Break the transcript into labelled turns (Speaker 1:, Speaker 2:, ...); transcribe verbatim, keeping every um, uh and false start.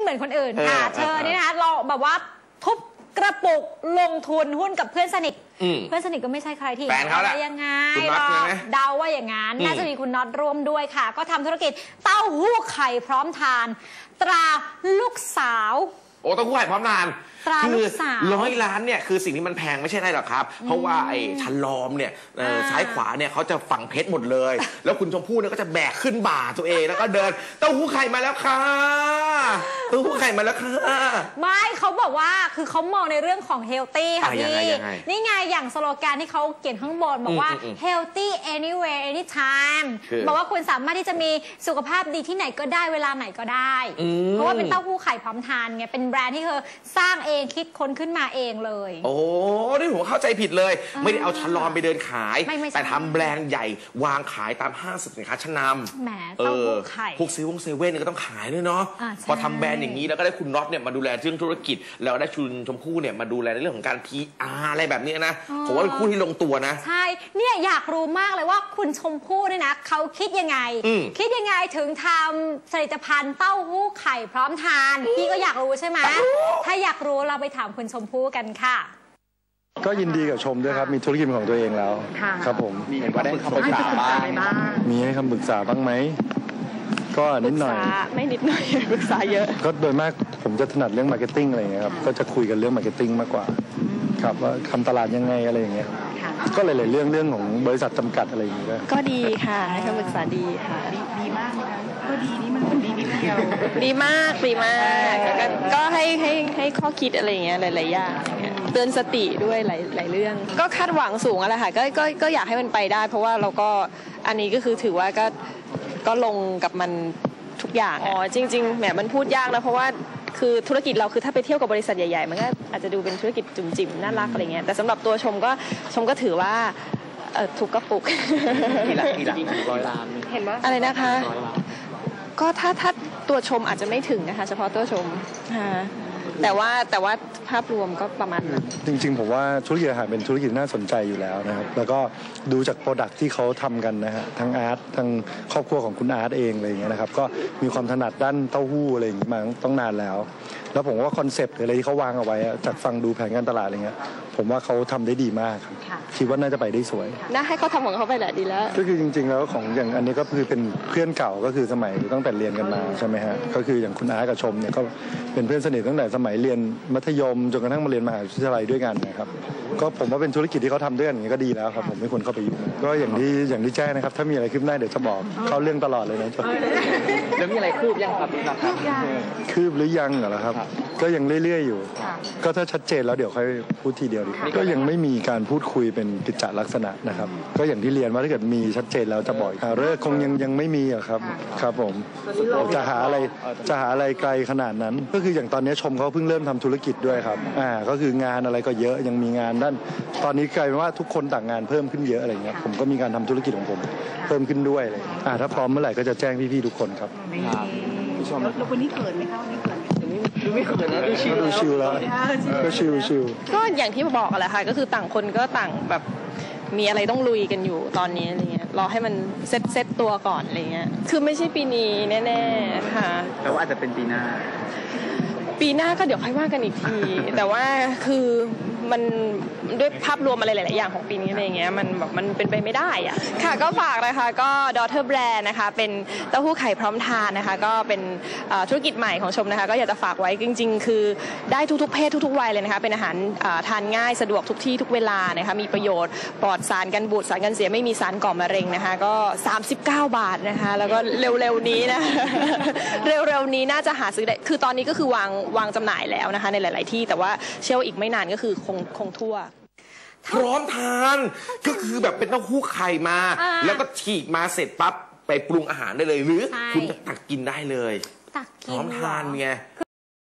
Speaker 1: เหมือนคนอื่นค่ะเธอนี่นะคะเราแบบว่าทุบกระปุกลงทุนหุ้นกับเพื่อนสนิทเพื่อนสนิทก็ไม่ใช่ใครที่
Speaker 2: แฟนเขาแหละ
Speaker 1: ยังไงหรอกเดาว่าอย่างนั้นน่าจะมีคุณน็อตร่วมด้วยค่ะก็ทำธุรกิจเต้าหู้ไข่พร้อมทานตราลูกสาว
Speaker 2: โอ้เต้าหู้ไข่พร้อมทานคือร้อยล้านเนี่ยคือสิ่งที่มันแพงไม่ใช่ไรหรอกครับเพราะว่าไอ้ชั้นล้อมเนี่ยซ้ายขวาเนี่ยเขาจะฝังเพชรหมดเลยแล้วคุณชมพู่เนี่ยก็จะแบกขึ้นบ่าตัวเองแล้วก็เดินเต้าหู้ไข่มาแล้วค่ะเต้าหู้ไข่มาแล้วค่ะ
Speaker 1: ไม่เขาบอกว่าคือเขามองในเรื่องของเฮลตี้ค่ะพี่นี่ไงอย่างสโลแกนที่เขาเขียนข้างบนบอกว่า healthy anywhere anytime บอกว่าคุณสามารถที่จะมีสุขภาพดีที่ไหนก็ได้เวลาไหนก็ได้เพราะว่าเป็นเต้าหู้ไข่พร้อมทานไงเป็นแบรนด์ที่เธอสร้างเองคิดค้นขึ้นมาเองเลยโอ้
Speaker 2: นี่ผมเข้าใจผิดเลยไม่ได้เอาชั้นลอนไปเดินขายแต่ทำแบรนด์ใหญ่วางขายตามห้างสินค้าชั้นนำ
Speaker 1: แหมเต้าหู้ไข่
Speaker 2: พวกซีวงเซเว่นก็ต้องขายด้วยเนาะพอทำแบรนด์อย่างนี้แล้วก็ได้คุณน็อตเนี่ยมาดูแลเรื่องธุรกิจแล้วได้ชุนชมพู่เนี่ยมาดูแลในเรื่องของการ พี อาร์ อะไรแบบนี้นะผมว่าเป็นคู่ที่ลงตัวนะ
Speaker 1: ใช่เนี่ยอยากรู้มากเลยว่าคุณชมพู่เนี่ยนะเขาคิดยังไงคิดยังไงถึงทำผลิตภัณฑ์เต้าหู้ไข่พร้อมทานพี่ก็อยากรู้ใช่ไหมถ้าอยากรู้เราไปถามคุณชมพู่กันค่ะ
Speaker 3: ก็ยินดีกับชมด้วยครับมีธุรกิจของตัวเองแล้วครับผม
Speaker 4: มีเห็นว่าได้คำปรึกษาบ้าง
Speaker 3: มีให้คำปรึกษาบ้างไหมก็นิดหน่อย
Speaker 5: ไม่นิดหน่อยปรึกษาเยอะ
Speaker 3: ก็โดยมากผมจะถนัดเรื่องมาร์เก็ตติ้งอะไรอย่างเงี้ยครับก็จะคุยกันเรื่องมาร์เก็ตติ้งมากกว่าครับว่าทำตลาดยังไงอะไรอย่างเงี้ยก็หลายๆเรื่องเรื่องของบริษัทจำกัดอะไรอย่างเงี้ย
Speaker 5: ก็ดีค่ะให้คำปรึกษาดีค่ะ
Speaker 4: ดีมากนะก็ดีนี่มันดีนิดเดียว
Speaker 5: ดีมากดีมากก็ให้ให้ให้ข้อคิดอะไรอย่างเงี้ยหลายๆอย่างเตือนสติด้วยหลายหลายเรื่องก็คาดหวังสูงอะไรค่ะก็ก็ก็อยากให้มันไปได้เพราะว่าเราก็อันนี้ก็คือถือว่าก็ก็ลงกับมันทุกอย่างอ๋อจริงๆแหมมันพูดยากนะเพราะว่าคือธุรกิจเราคือถ้าไปเที่ยวกับบริษัทใหญ่ๆมันก็อาจจะดูเป็นธุรกิจจุ่มจิ๋มน่ารักอะไรเงี้ยแต่สำหรับตัวชมก็ชมก็ถือว่าถูกกระปุก
Speaker 4: กี่หลักกี่หลักร้อยล้าน
Speaker 5: เห็นว่าอะไรนะคะก็ถ้าถ้าตัวชมอาจจะไม่ถึงนะคะเฉพาะตัวชมแต่ว่าแต่ว่าภาพรวมก็ประมาณนั้น
Speaker 3: จริงๆผมว่าธุรกิจอาหารเป็นธุรกิจน่าสนใจอยู่แล้วนะครับแล้วก็ดูจากโปรดักที่เขาทำกันนะฮะทั้งอาร์ตทั้งครอบครัวของคุณอาร์ตเองอะไรอย่างเงี้ยนะครับก็มีความถนัดด้านเต้าหู้อะไรอย่างเงี้ยมาต้องนานแล้วแล้วผมว่าคอนเซปต์อะไรที่เขาวางเอาไว้จากฟังดูแผนการตลาดอะไรเงี้ยผมว่าเขาทำได้ดีมากครับคิดว่าน่าจะไปได้สวย
Speaker 5: น่าให้เขาทำของเขาไปแหละดีแล้ว
Speaker 3: ก็คือจริงๆแล้วของอย่างอันนี้ก็คือเป็นเพื่อนเก่าก็คือสมัยตั้งแต่เรียนกันมาใช่ไหมฮะก็คืออย่างคุณอาร์ตกับชมเนี่ยก็เป็นเพื่อนสนิทตั้งแต่สมัยเรียนมัธยมจนกระทั่งมาเรียนมหาวิทยาลัยด้วยกันนะครับก็ผมว่าเป็นธุรกิจที่เขาทำด้วยกันอย่างนี้ก็ดีแล้วครับผมไม่ควรเข้าไปยุ่งก็อย่างที่อย่างที่แจ้งนะครับถ้ามีอะไรคืบหน้าเดี๋ยวจะบอกเข้าเรื่องตลอดเลยนะจ๊ะ
Speaker 4: แล้วมีอะไรคืบยังครับพี่ครับ
Speaker 3: คืบหรือยังเหรอครับก็ยังเรื่อยๆอยู่ก็ถ้าชัดเจนแล้วเดี๋ยวค่อยพูดทีเดียวดีก็ยังไม่มีการพูดคุยเป็นกิจจลักษณะนะครับก็อย่างที่เรียนว่าถ้าเกิดมีชัดเจนแล้วจะบอกเลิกคงยังยังไม่มีอะครับครับผมจะหาอะไรจะหาอะไรไกลขนาดนั้นก็คืออย่างตอนนี้ชมเขาเพิ่งเริ่มทำธุรกิจด้วยครับอ่าก็คืองานอะไรก็เยอะยังมีงานด้านตอนนี้กลายเป็นว่าทุกคนต่างงานเพิ่มขึ้นเยอะอะไรเงี้ยผมก็มีการทำธุรกิจของผมเพิ่มขึ้นด้วยเลยอ่าถ้าพร้อมเมื่อไหร่ก็จะแจ้งพี่ๆทุกคนครับ
Speaker 4: แล้ววันนี้เกิดไหมคะวันนี้เกิด
Speaker 3: ดูไม่เขินนะดูชิลดูชิลแล้วก็ชิลชิล
Speaker 5: ก็อย่างที่บอกแหละค่ะก็คือต่างคนก็ต่างแบบมีอะไรต้องลุยกันอยู่ตอนนี้อะไรเงี้ยรอให้มันเซ็ตเซ็ตตัวก่อนอะไรเงี้ยคือไม่ใช่ปีนี้แน่ๆค่ะ
Speaker 4: แต่ว่าอาจจะเป็นปีหน้า
Speaker 5: ปีหน้าก็เดี๋ยวค่อยว่ากันอีกทีแต่ว่าคือมันด้วยภาพรวมอะไรหลายๆอย่างของปีนี้อะไรเงี้ยมันแบบมันเป็นไปไม่ได้อ่ะค่ะก็ฝากนะคะก็ Daughter Brand นะคะเป็นเต้าหู้ไข่พร้อมทานนะคะก็เป็นธุรกิจใหม่ของชมนะคะก็อยากจะฝากไว้จริงๆคือได้ทุกๆเพศทุกๆวัยเลยนะคะเป็นอาหารทานง่ายสะดวกทุกที่ทุกเวลานะคะมีประโยชน์ปลอดสารกันบูดสารกันเสียไม่มีสารก่อมะเร็งนะคะก็สามสิบเก้าบาทนะคะแล้วก็เร็วๆนี้นะเร็วๆนี้น่าจะหาซื้อได้คือตอนนี้ก็คือวางวางจำหน่ายแล้วนะคะในหลายๆที่แต่ว่าเชื่อว่าอีกไม่นานก็คือคงคงทั่ว
Speaker 2: พร้อมทานก็คือแบบเป็นเต้าหู้ไข่มาแล้วก็ฉีกมาเสร็จปั๊บไปปรุงอาหารได้เลยหรือคุณตักกินได้เลยพร้อมทานไง